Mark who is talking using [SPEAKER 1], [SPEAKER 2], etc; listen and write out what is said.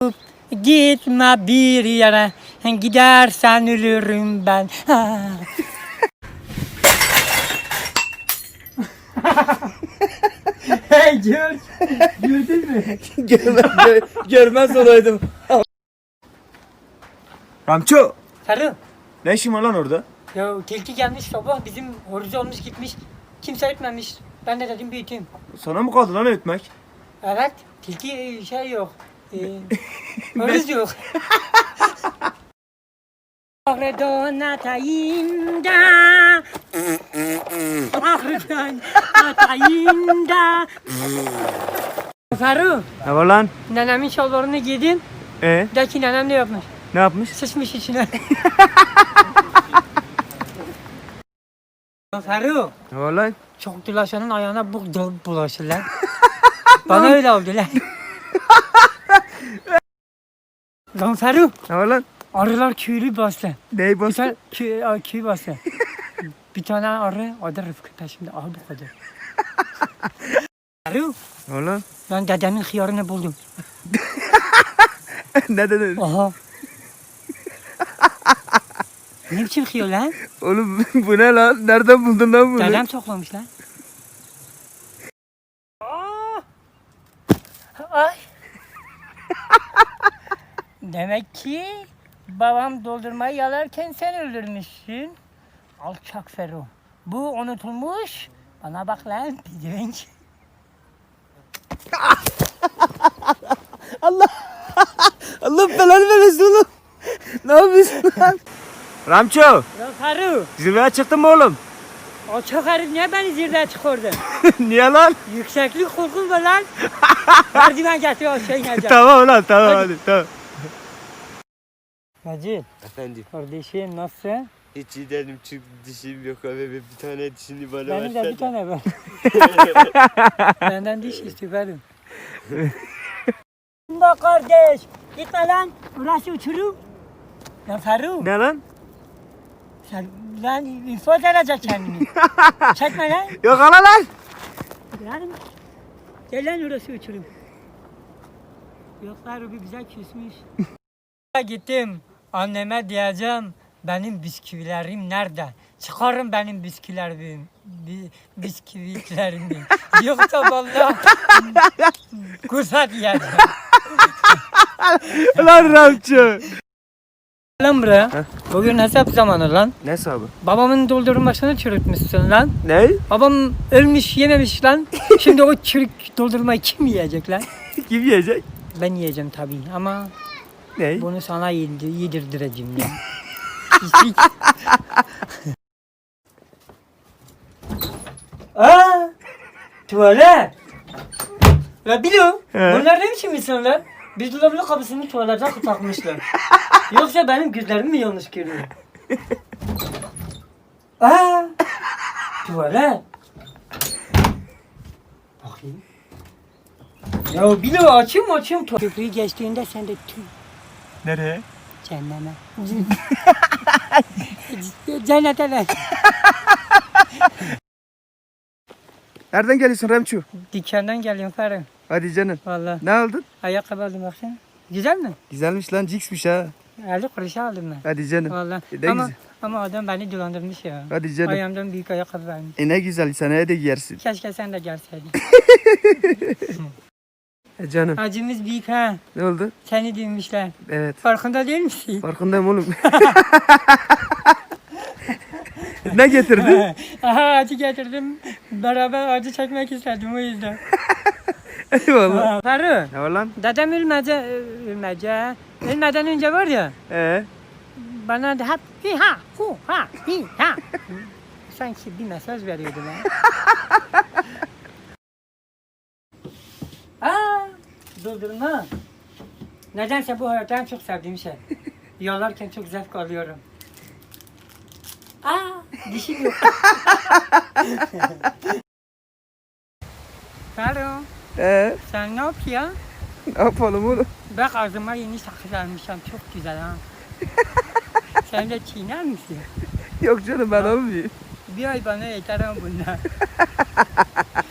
[SPEAKER 1] Gitme bir yere, gidersen ölürüm ben. Hey George, gördün mü?
[SPEAKER 2] Görmez olaydım. Ramço,
[SPEAKER 1] Sarı,
[SPEAKER 2] ne işin var lan orada?
[SPEAKER 1] ya tilki gelmiş sabah bizim horoz olmuş gitmiş. Kimse etmemiş. Ben de dedim büyüteyim.
[SPEAKER 2] Sana mı kaldı lan ötmek?
[SPEAKER 1] Evet, tilki şey yok. Horoz yok. Ahredan atayım da Ahredan atayım da Faruk,
[SPEAKER 2] Ne var lan?
[SPEAKER 1] nenemin şalvarını giydim. De ki nenem ne yapmış?
[SPEAKER 2] Ne yapmış?
[SPEAKER 1] Sıçmış içine. Faruk,
[SPEAKER 2] Ne var lan?
[SPEAKER 1] çok dolaşanın ayağına bu bulaşır lan. Bana öyle oldu lan. Lan Faruk,
[SPEAKER 2] Ne var lan?
[SPEAKER 1] arılar köylü bastı.
[SPEAKER 2] Neyi
[SPEAKER 1] Bir
[SPEAKER 2] bastı?
[SPEAKER 1] tane köy bastı. Bir tane arı, adı Rıfkı. Şimdi al bu kadar. Faruk,
[SPEAKER 2] Ne var lan?
[SPEAKER 1] ben dedemin hıyarını buldum.
[SPEAKER 2] Ne dedin?
[SPEAKER 1] Aha. Ne biçim hıyar lan?
[SPEAKER 2] Oğlum bu ne lan? Nereden buldun lan bunu?
[SPEAKER 1] Dedem toplamış lan. Ay. Demek ki babam doldurmayı yalarken sen öldürmüşsün. Alçak Ferro. Bu unutulmuş. Bana bak lan pidevenç.
[SPEAKER 2] Allah belanı vermesin oğlum. Ne yapıyorsun lan? Ramço,
[SPEAKER 1] Ya Ferro.
[SPEAKER 2] zirveye çıktın mı oğlum?
[SPEAKER 1] Alçak herif niye beni zirveye çıkardı?
[SPEAKER 2] Niye lan?
[SPEAKER 1] Yükseklik korkum var lan. Merdiven getir aşağı ineceğim.
[SPEAKER 2] Tamam lan tamam hadi tamam.
[SPEAKER 1] Macit,
[SPEAKER 3] Efendim,
[SPEAKER 1] kardeşim nasılsın?
[SPEAKER 3] hiç iyi değilim çünkü dişim yok abi, bir tane dişini bana
[SPEAKER 1] Benim de
[SPEAKER 3] versene.
[SPEAKER 1] bir tane var. Benden diş istiyor benim. Bak kardeş, gitme lan. Burası uçurum. Ya Faruk,
[SPEAKER 2] Ne lan?
[SPEAKER 1] sen lan infaz edecek kendini. Çekme lan.
[SPEAKER 2] Yok ala lan.
[SPEAKER 1] Lan. Gel lan orası uçurum. Yok Faruk bir güzel küsmüş. Gittim. Anneme diyeceğim. Benim bisküvilerim nerede? Çıkarın benim bisküvilerimi. Bisküvilerimi. Yoksa vallahi kursa diyeceğim.
[SPEAKER 2] Lan Ramço.
[SPEAKER 1] Lan buraya. Bugün hesap zamanı lan.
[SPEAKER 2] Ne hesabı?
[SPEAKER 1] Babamın doldurmasını çürütmüşsün lan.
[SPEAKER 2] Ne?
[SPEAKER 1] Babam ölmüş yememiş lan. Şimdi o çürük doldurmayı kim yiyecek lan?
[SPEAKER 2] Kim yiyecek?
[SPEAKER 1] Ben yiyeceğim tabii ama
[SPEAKER 2] Ne?
[SPEAKER 1] bunu sana yedirdireceğim ya. Pislik. Aa! Tuvalet. La biliyorum.
[SPEAKER 2] He.
[SPEAKER 1] Bunlar ne biçim insanlar? Bir dolabın kapısını tuvalete takmışlar. Yoksa benim gözlerim mi yanlış görüyor? Aa! Tuvalet. Bakayım. Ya biliyorum açayım. Köprüyü geçtiğinde sen de tüy.
[SPEAKER 2] Nereye?
[SPEAKER 1] Cehenneme. Cennete lan.
[SPEAKER 2] Nereden geliyorsun Ramço?
[SPEAKER 1] Dükkandan geliyorum Ferhat.
[SPEAKER 2] Hadi canım.
[SPEAKER 1] Valla.
[SPEAKER 2] Ne aldın?
[SPEAKER 1] Ayakkabı aldım baksana. Güzel mi?
[SPEAKER 2] Güzelmiş lan, ciksmiş ha.
[SPEAKER 1] 50 kuruşa aldım ben.
[SPEAKER 2] Hadi canım.
[SPEAKER 1] Valla.
[SPEAKER 2] Ne
[SPEAKER 1] Ama,
[SPEAKER 2] güzel.
[SPEAKER 1] ama adam beni dolandırmış ya.
[SPEAKER 2] Hadi canım.
[SPEAKER 1] Ayağımdan büyük ayakkabı vermiş.
[SPEAKER 2] Ne güzel, seneye de giyersin.
[SPEAKER 1] Keşke sen de gelseydin.
[SPEAKER 2] Canım.
[SPEAKER 1] Acımız büyük ha.
[SPEAKER 2] Ne oldu?
[SPEAKER 1] Seni dinmişler.
[SPEAKER 2] Evet.
[SPEAKER 1] Farkında değil misin?
[SPEAKER 2] Farkındayım oğlum. Ne getirdin?
[SPEAKER 1] Aha acı getirdim. Beraber acı çekmek istedim o yüzden.
[SPEAKER 2] Eyvallah.
[SPEAKER 1] Faruk.
[SPEAKER 2] Ne var lan?
[SPEAKER 1] Dedem ölmeden önce var ya. Bana da hep hi ha hu ha hi ha. Sanki bir mesaj veriyordu lan. Aa, doldurma. Nedense bu hayatta en çok sevdiğim şey. Yollarken çok zevk alıyorum. Aa, dişim yok. Ferro, sen ne yapıyorsun?
[SPEAKER 2] Ne yapalım oğlum?
[SPEAKER 1] Bak ağzıma yeni sakız almışım. Çok güzel ha. Sen de çiğner misin?
[SPEAKER 2] Yok canım ben almayayım.
[SPEAKER 1] Bir ay bana yeter ama bunlar.